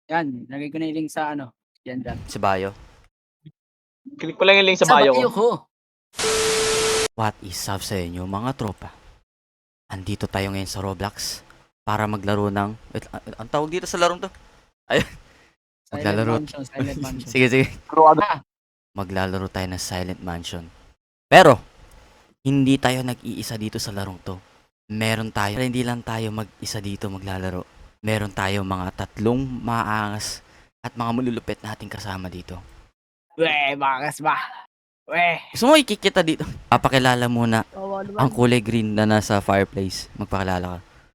Yan, lagay ko na yung link sa ano. Yan dyan. Sa bio. Click ko lang yung link sa Sa bio bio ko. ko. What is up sa inyo mga tropa? Andito tayo ngayon sa Roblox para maglaro ng... Wait, ang tawag dito sa larong to? Ayun. Maglalaro. Silent Mansion. Sige, sige. Ah, Maglalaro tayo ng Silent Mansion. Pero, hindi tayo nag-iisa dito sa larong to. Meron tayo. Pero hindi lang tayo mag-isa dito maglalaro. Meron tayo mga tatlong maangas at mga malulupit nating kasama dito. weh, bakas ba? Weh. Gusto mo ikikita dito? Papakilala muna Oo naman. ang kulay green na nasa fireplace. Magpakilala ka.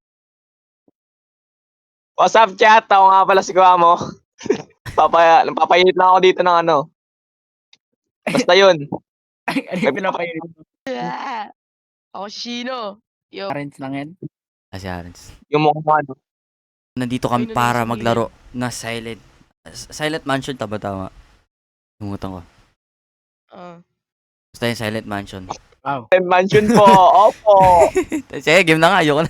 What's up, chat? Ako nga pala si Guamo. Papainit lang ako dito ng ano. Basta yun. Ano yung pinapainit? Yeah. Ako si Shino. Yo. Parents lang yan. Kasi Arens. Yung mukha ano. Nandito kami Ay, para nandito maglaro na Silent Mansion, tama. Tumutan ko. Basta yung Silent Mansion. Wow. Mansion po. Opo. Sige, game na nga. Ayoko na.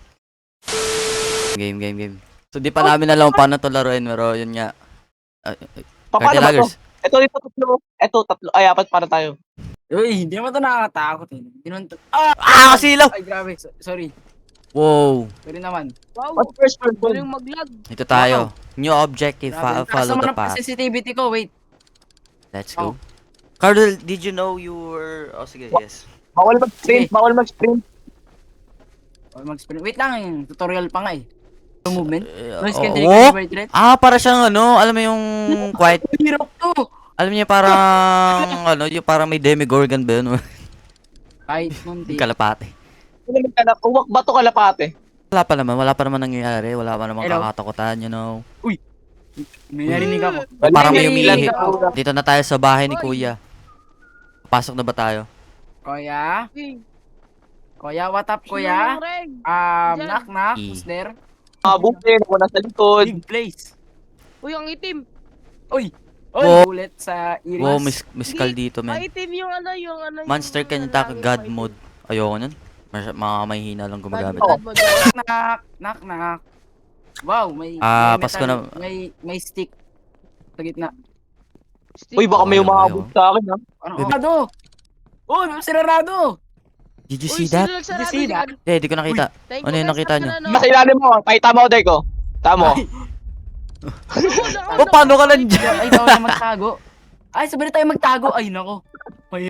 Game. So, di pa namin alam paano to laruin. Pero yun nga. Paano ba to? Lagers. Ito, tatlo. Ito, tatlo. Ay, apat para tayo. Uy, hindi naman ito nakakatakot eh. Hindi naman ito. Kasilaw! Ay, grabe. Sorry. Wow. Sorry naman. Wow. What's first person? Galing mag-lag. Ito tayo. New objective. Grabe. Follow the Taas naman path. ang sensitivity ko. Wait. Let's go. Cardell, did you know you were... Oh, sige, yes. Bawal mag-sprint. Bawal mag-sprint. Mag-sprint. Wait lang. Tutorial pa nga eh. Yung movement. Noise Oh, can oh? take right. Para siyang ano, alam mo yung quiet... Hirap to. Alam niyo parang ano, yung parang may demigorgon ba yun? Kahit munti. Kalapate. Uwak ba to kalapate? Wala pa naman nangyayari, wala pa naman Hello? kakatakutan, you know. May narinig ako. Parang may May umiihi. narinig Dito na tayo sa bahay ni Oy. Kuya. Pasok na ba tayo? Kuya? Uy, Kuya, what up, Shino kuya? ng reg. Diyan. Knock. E. Who's there? Mga bukin. Ako nasa likod. Big place. Uy, ang itim. Oy, Wow. bullet sa iris. Wow, miskal dito, Ang man. itim yung ano, yung Monster can ano, attack langit God mo, itim. mode. Ayoko nun. Mga mahihina lang gumagamit. God mode. Knock. Wow, may Pasko na. may stick sa gitna. Uy, baka may Ayaw, umabot sa akin ha. Ano? Baby. Sarado! Oh, sinarado! Did you Uy, see that? sino nagsarado Did you see dyan? Di ko nakita. Thank Ano you, yung guys, nakita sa nyo? ano. Nasa ilalim mo. Pakita mo, Deko. Tamo. Oh, paano ka nandiyan? Ay, bawal na magtago. Ay, sabi na tayo magtago. Ay, nako. Oy,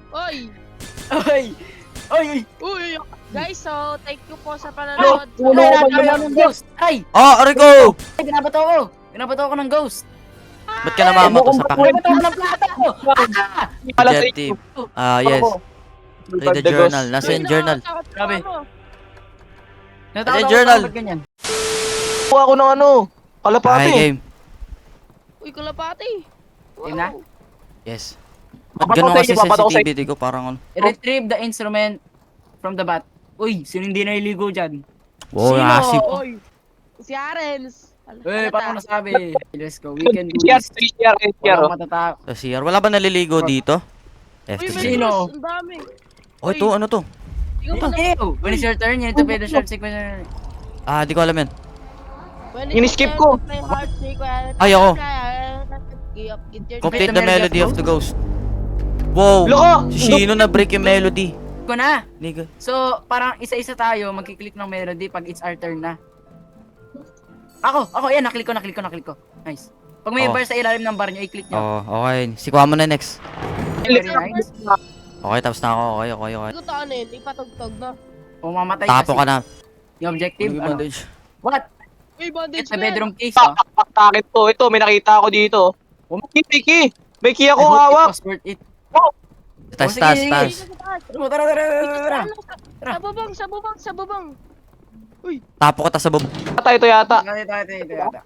Ay! uy. Guys, so thank you po sa panonood. Ulo Ay, ko natawa ng ghost! Ay! Rico! Ay, binabato ko! Binabato ko ng ghost! Ba't ka namamato sa pakit? Binabato ko ng plata ko! Pala sa Objective. Yes. Play the journal. Nasa yung journal. Grabe. Ay, Natawa journal. ko ganyan. Kuha ako ng ano. Hi, Kalapate. game. Uy, kalapati. Game na? Yes. Ba't ganun kasi Papato ko sa sensitivity ko? Parang ano? Retrieve the instrument from the bat. Uy, sino hindi naliligo dyan? Wow, Sino? nasip. Oy. Si Arens. Uy, paano nasabi? Let's go, we can do CR, this. CR. Walang matatakot. Sa CR. Wala ba naliligo dito? Uy, may FTG. Sino? Ang dami. Oh, ito. Ano to? Tingnan mo na. Ew! When it's your turn, you need to play the short sequence. Di ko alam yan. When Ini-skip it's ko. your turn to play hard sequence. Ay, ako. Get your Complete the the melody melody of of the ghost. Wow! Loko! Si Shino na break yung melody. Ko na! Nigga. So, parang isa-isa tayo, magkiklik ng melody pag it's our turn na. Ako, yan, naklik ko. Nice. Pag may Oh. bar sa ilalim ng bar nyo, i-click nyo. Okay. Si Kwamo na next. Very nice. Okay, tapos na ako. Okay. Hindi ko to ano yun, ipatugtog na. Kung mamatay Tapo kasi, ka na. yung objective, Ano yung ano? bandage? What? Uy, bandage It's a man. bedroom case, oh. Paktakit to. Ito, may nakita ako dito. Kiki. May key I ako hope it hawak. was worth it. Taas, sige, taas, sige. taas. Tara. Sa bubong. Tapo ka, tas sa bab. Patay ito yata. Ito.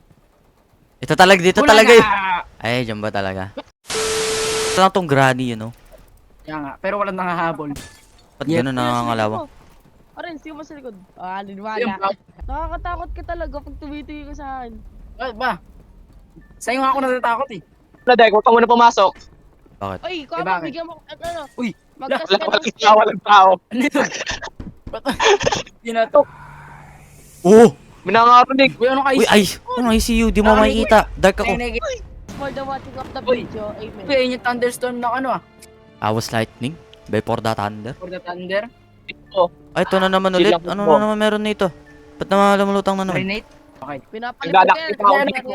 Ito talaga, dito Wala talaga eh. na. Ay, dyan ba talaga? Ito lang tong granny, you know? Kaya nga, pero walang nangahabol. Ba't Yep. ganun nangangalawang? Arin, sino mo sa likod? Yan Liniwala. ba? Nakakatakot ka talaga pag tumitingin ka sa akin. Bakit ba? Sa'yo nga ako natatakot eh. Na Dek, huwag ka muna pumasok. Bakit? Oy, Eh, kung bakit? bigyan mo, ano, Uy, magkas Wala, ka walang ng tao, walang tao. Ano yun? Ba't? Yun na to. Oh! Minangarinig. Uy, ano Uy, ay! Ano ICU? Di mo makikita. Dark ako. For the watching of the Uy. video, amen. Uy, ayun yung thunderstorm na ano ah. I was lightning. Before the thunder. For the thunder. Ay, ito na naman ulit. Ano na naman meron nito? Ba't naman lumulutang na naman? Renate. Okay. Pinapalit Naglalakit ko ako yan. dito.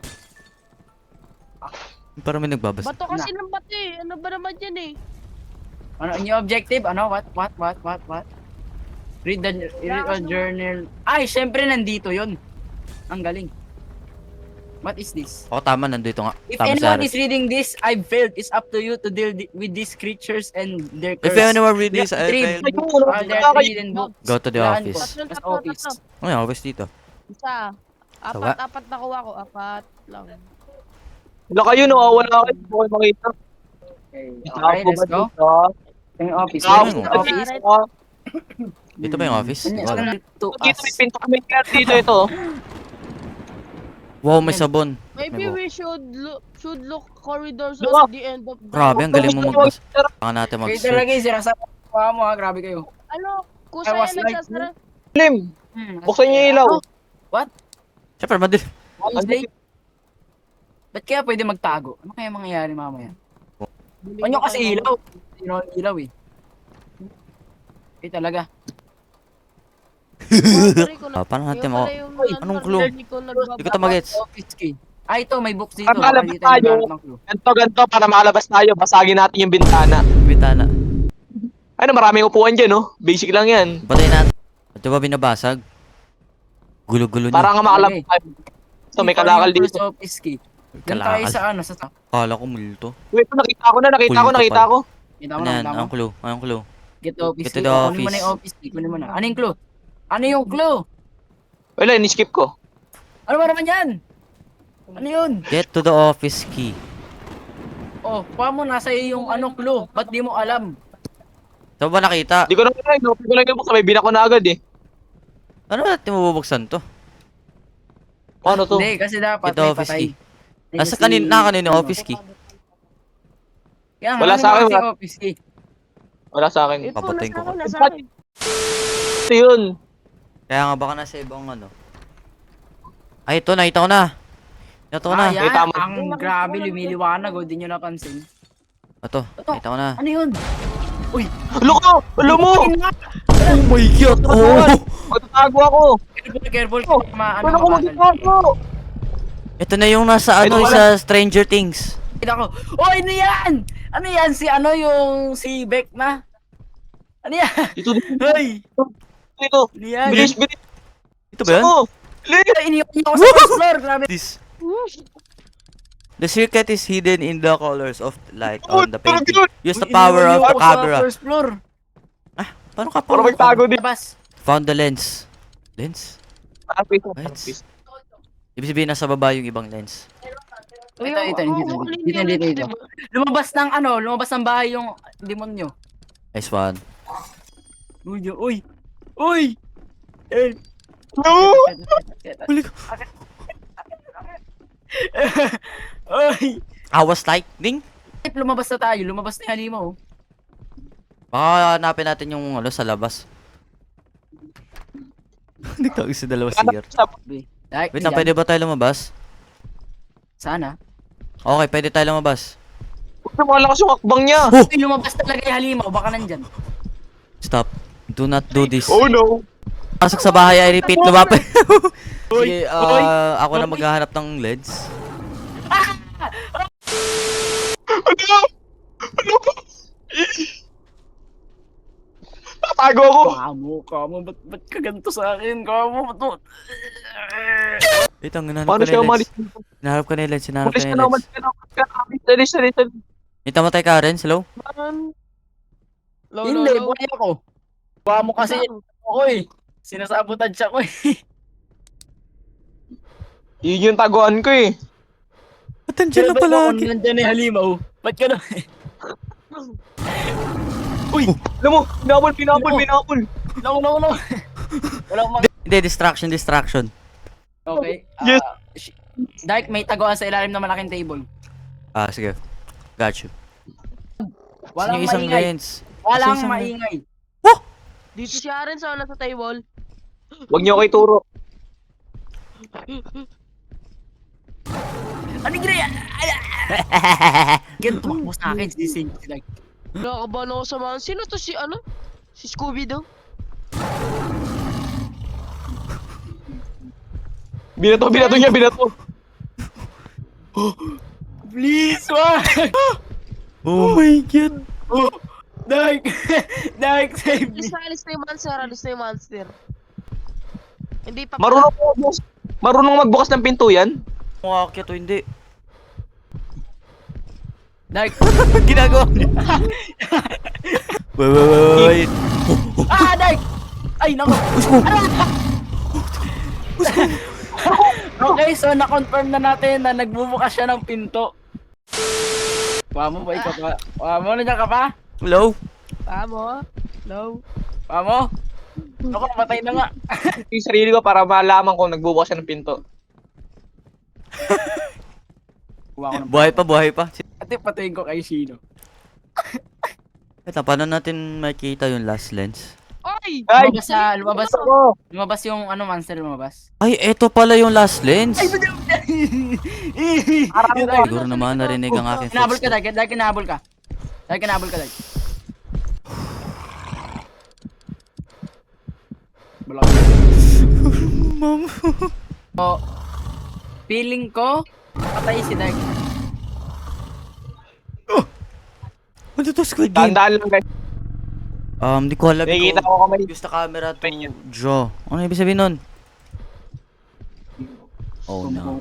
Parang may nagbabasa. Bato kasi ng bato eh. Ano ba naman yan eh? Ano yung objective? Ano? What? Read a journal. Ay, syempre nandito yun. Ang galing. What is this? Oo, tama. Nandito nga. If Tama anyone sa is reading this, I've failed. It's up to you to deal with these creatures and their If curse. anyone read this, We have I three failed. There are three hidden books. Go to the Laan office. ko. Tatlo, Sa tatlo, office. tatlo. Oh, yung office dito. Isa. Tawa. Apat nakuha ko. Apat lang. Wala kayo, wala kayo. Hindi ko kayo makita. Okay, let's go. Yung office. Ano Yung yung office. Dito ba yung office? Ano Wala. to Dito us? may pinto kami dito ito. Wow, may sabon. Maybe May we should look corridors Diba? at the end of the... Grabe, ang galing mo magbasa. Kailangan natin Kayo talaga mag-search. yung sinasabi mo ha. Grabe kayo. Ano? Kusa I was yan like, nagsasara. Lim, buksan niyo yung ilaw. Siyempre, madilim. Wednesday? Ba't kaya pwede magtago? Ano kaya mangyayari mamaya? Ano kasi ilaw? Sino ang ilaw eh? Okay talaga. Paano natin mo? Anong clue? Hindi ko Hindi ito magets. Office key. Ah, ito, may books dito. Para malabas Dito, may tayo. lahat ng clue. Ganto, para makalabas tayo, basagin natin yung bintana. Bitana. Ano, maraming upuan dyan, no? Basic lang yan. Batay natin. Ito ba binabasag? Gulo-gulo Para niya. nga makalabas tayo. So, may Dito, kalakal yung first dito. office key. Doon tayo Kalakal. sa ano, sa... Kala ko multo. Wait, nakita ko. Kita ko. Kita mo Ano na, yan? kita mo. Anong clue? Anong clue? Get the office Get to key. the Kunin mo office. na yung office key. Kunin mo na. Ano yung clue? Ano yung clue? Wala, ni-skip ko. Ano ba naman yan? Ano yun? Get to the office key. Oh, paano nasa iyo yung ano clue? Ba't di mo alam? Saan ba nakita? Di ko na kaya, no? Hindi ko lang yung may binako na agad eh. Ano ba natin mabubuksan to? Ano to? Hindi, kasi dapat Get the may office patay. key. Nasa kanina yung office key. Kaya Wala sa akin, yung office key. Wala sa akin. Ito, Papatayin ko. nasa akin. Ito yun. Kaya nga baka nasa ibang ano. Ay, ito nakita ko na. Ito ko na. Ah, yan. Kita mo. Ang grabe, lumiliwanag. O, di nyo napansin. Ito, nakita ko na. Ano yun? Loko! Alam mo! Oh my god! Oh! Magtatago ako! Careful. Oh, Ano Ano ko magtatago? Ito na yung nasa ano Ito sa Stranger Things. Kita ko. Oh, ano yan? Ano yan? Si ano yung si Beck na? Ano yan? Ito dito. Hoy! Dito. Ano yan? Bilis, bilis. Ito ba yan? Ako. Bilis. Iniwan niyo ako sa first floor. Grabe. This. The circuit is hidden in the colors of light on the painting. Use the power of the Iniwan niyo ako sa camera. first floor. Paano ka Para magtago din. Labas. Found the lens. Lens? Tapis. Lights. Ibig sabihin nasa baba yung ibang lens. Dito. Lumabas ng bahay yung demonyo. Nice one. Uy! Uy! Eh. No! Huli ko. Uy! I was lightning? Lumabas na tayo. Lumabas na yung halimaw. Baka hanapin natin yung ano sa labas. Nagtawag sa dalawa singer. Wait lang, pwede ba tayo lumabas? Sana. Okay, pwede tayo lumabas. Huwag na malakas yung akbang niya. Oh! Uy, lumabas talaga yung halimaw. Baka nandyan. Stop. Do not do this. Oh no. Pasok sa bahay, I repeat, lumapit. Sige, Uy! ako na maghahanap ng lens. Ano? Ano ba? Tatago ako. Kamo, ba't ka ganito sa akin? Kamo, ba't mo? Wait lang, hinahanap Paano ko na siya yung umalis? lens. Hinahanap ko na yung lens, hinahanap ko Umalis na ka yung na, lens. umalis ka na. Dalis. May tamatay ka rin, hello? Hindi, buhay ako. Kamo kasi ako eh. Sinasabotage ako eh. Yun yung taguan ko eh. Ba't nandiyan na palagi? Nandyan yung halimaw. Ba't ka na? Uy! Alam mo, pinapol. No. Wala akong Hindi, distraction. Okay. Yes. Dark, may taguan sa ilalim ng malaking table. Ah, sige. Got you. Saan Walang yung isang maingay. lens? Walang Isang- maingay. Dito si Aaron sa nasa table. Huwag niyo ako ituro. Ano gina? Ganito tumakbo sa akin si Sing. Like, Nakakabahan ako sa mga. Sino to si ano? Si Scooby-Doo? Binato niya. please, wag! Oh my God. Dark! Dark, save me! Alis na yung monster, alis na yung monster. Hindi pa Marunong magbukas ng pinto yan? Umakyat o hindi? Dark! Ginagawa niya. Wait. Ah, Dark! Ay, naku! Okay, so na-confirm na natin na nagbubukas siya ng pinto. Pamo ba ikaw pa? Pamo, nandiyan ka pa? Hello? Tama. No. Pamo? Ako, matay na nga. Yung sarili ko para malaman kung nagbubukas siya ng pinto. Kuha ko ng Buhay pa. Ate, patayin ko kay Shino. Ito, paano natin makita yung last lens? Ay! Ay! Lumabas yung ano, monster lumabas. Ay, eto pala yung last lens. Ay, Siguro naman narinig ang aking Kinabol ka, footstep. Dark. Kinabol ka. Kinabol ka, Dark. Balak. Ma'am. So, feeling ko, patay si Dark. Ano to, Squid Game? Tandaan lang guys. Di ko alam Nakikita ko. ko kamay. Use the camera to draw. Ano ibig sabihin nun? Oh no.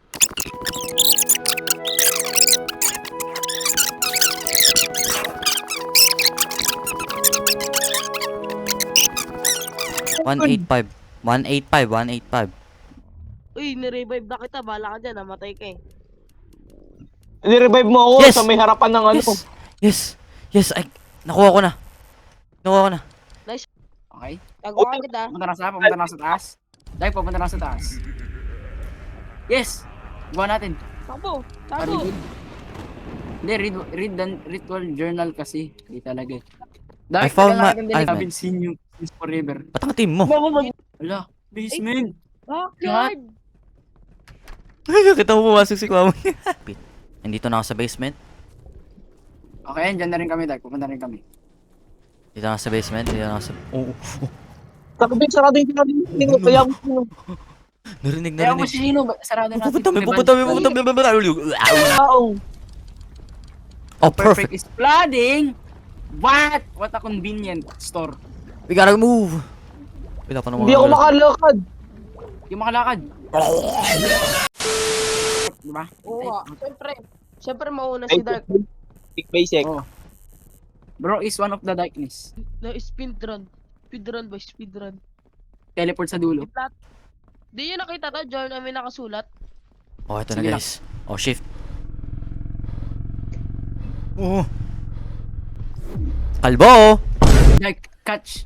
One eight five. Uy, nirevive na kita. Bala ka dyan. Namatay ka eh. Ni-revive mo ako Yes! sa may harapan ng ano. Yes, ay, nakuha ko na. Okay? Tago ka kita. Pumunta na sa taas. Dark, pupunta na sa taas. Yes! Gawa natin. Takbo. Very Takbo. good. Hindi, read the ritual journal kasi. Hindi talaga. Dark, I found my- I haven't seen you since forever. Ba't ang team mo? Wala, basement. Backyard. Kita mo pumasok si Kwamo. Nandito na ako sa basement. Okay, dyan na rin kami, Dark. Pupunta rin kami. Dito na ako sa basement. Oh. Sarado yung pinag-ino. Kaya ako Narinig. Kaya mo si Shino, sarado natin. Pupunta. taong. Oh, Perfect perfect. is flooding. What? What a convenient store. We gotta move. Wala pa naman. Hindi ako makalakad. Yung makalakad. Diba? Oo nga. Siyempre mauna si Dark. Basic. Oh. Bro is one of the darkness. Na speedrun. Speedrun ba? Speedrun. Teleport sa dulo. Di nyo nakita to? Join namin nakasulat. Oh, ito na Sige guys. Oh, shift. Oh. Kalbo! Dark, catch.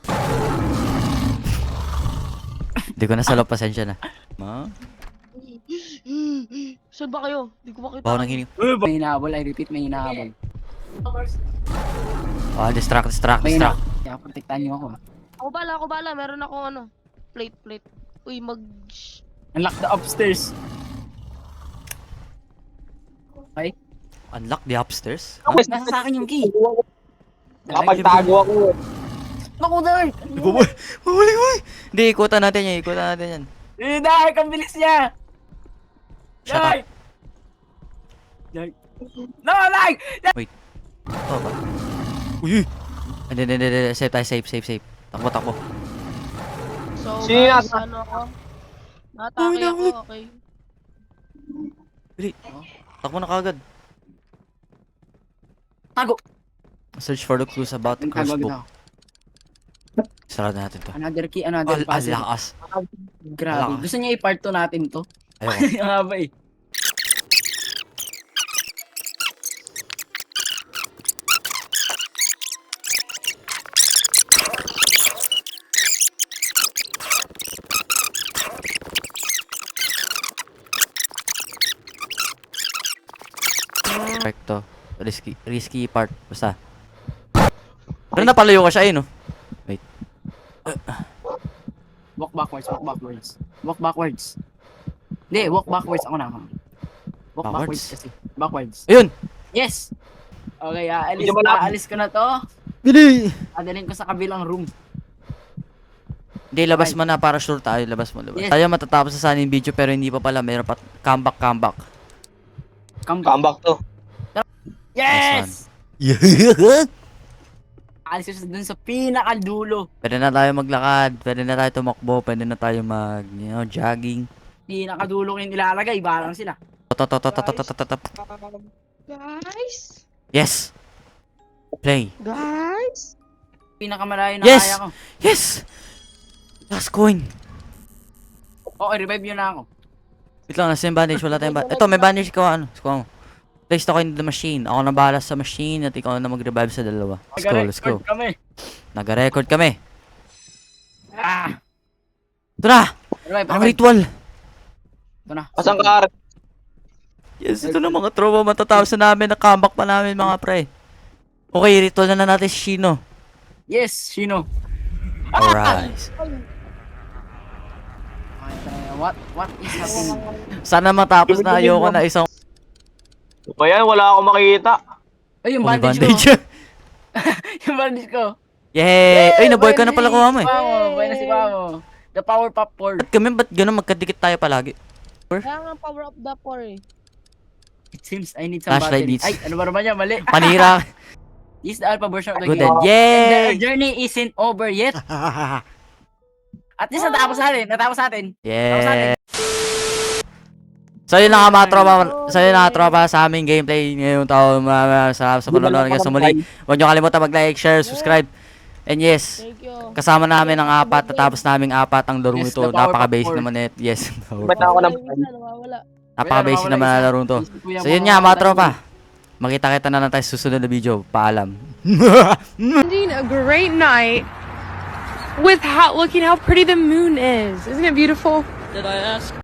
Hindi ko na salo, pasensya na. Ma? Saan ba kayo? Di ko makita. Bawa nang hining. May hinahabol, I repeat, may hinahabol. Ah, distract. May hinahabol. Kaya protektahan niyo ako. Ako bala. Meron ako ano. Plate. Uy, Unlock the upstairs. Okay? Unlock the upstairs? Nasa sa akin yung key. Nakapagtago ako. Naku, Dark! Huli! Hindi, ikutan natin yan. Dark, ang bilis niya! Shut up. Dark! No, Dark! Ito ba? Uy! Hindi. Save tayo, save. Takbo. So, Sino guys, yata? ano ako? Natake ako, okay. Dali. Takbo na kagad. Tago! Search for the clues about the Tago curse agad book. ako. Sarado natin to. Another key, another puzzle. Alakas. Grabe. Alakas. Gusto niya i-part 2 natin to. Ayoko. Ang haba eh. Perfecto. Risky part. Basta. Pero napalayo ka siya eh, no? Walk backwards. Walk backwards. Hindi, walk backwards ako na. Walk Backwards? backwards kasi. Backwards. Ayun! Yes! Okay, Medyo malapit. aalis ko na to. Bili! Adalhin ko sa kabilang room. Hindi, labas mo na para sure tayo. Labas mo, labas. Yes. Tayo matatapos sa sana yung video pero hindi pa pala. Mayroon pa. Comeback. Come back. Comeback to. Yes! Yeah. Aalis ko dun sa pinakadulo. Pwede na tayo maglakad. Pwede na tayo tumakbo. Pwede na tayo jogging. Pinakadulo ko yung ilalagay. Iba lang sila. Guys? Yes! Play. Guys? Pinakamalayo na Yes! kaya ko. Yes! Last coin. Okay, revive nyo na ako. Wait lang, nasa yung bandage. Wala tayong bandage. Ito, may bandage ka. Ano? Squaw mo. Place ako in the machine. Ako na bahala sa machine at ikaw na mag-revive sa dalawa. Let's go. Nag-record kami. Nag-record kami. Ah! Ito na! Revive, Ang revive. ritual! Ito na. Asan ka? Yes, ito na mga tropa. Matatapos na namin. Na-comeback pa namin mga pre. Okay, ritual na natin si Shino. Yes, Shino. Alright. What is happening? Sana matapos na. Ayoko na isang Ba yan? Wala akong makikita. Ay, yung may bandage ko. bandage. Yung bandage ko. Yay! Ay, nabuhay ka na pala kuha mo eh. Buhay na si Pamo. The power pop board. Ba't ganun magkadikit tayo palagi? Kaya nga power up the poor eh. It seems I need some Flashlight batteries. needs. Ay, ano ba naman yan? Mali. Panira. This is the alpha version of the Good game. then. And Yay! the journey isn't over yet. At least natapos natin. Natapos natin. Yeah. So yun na nga mga tropa, sa aming gameplay ngayong taon. Maraming salamat sa panonood hanggang sa muli. Huwag nyo kalimutan mag-like, share, subscribe. And yes, Thank you. kasama namin ang apat, natapos namin apat ang laro Yes, ito. the power Napaka-basic pop naman ito. Yes, Ba't na ako ng... Nawawala. napaka-basic Wala, naman nawawala ang isa. laro ito. Kuya So mo, yun nga mga wala. tropa, makita-kita na lang tayo sa susunod na video. Paalam. Spending a great night with looking how pretty the moon is. Isn't it beautiful? Did I ask?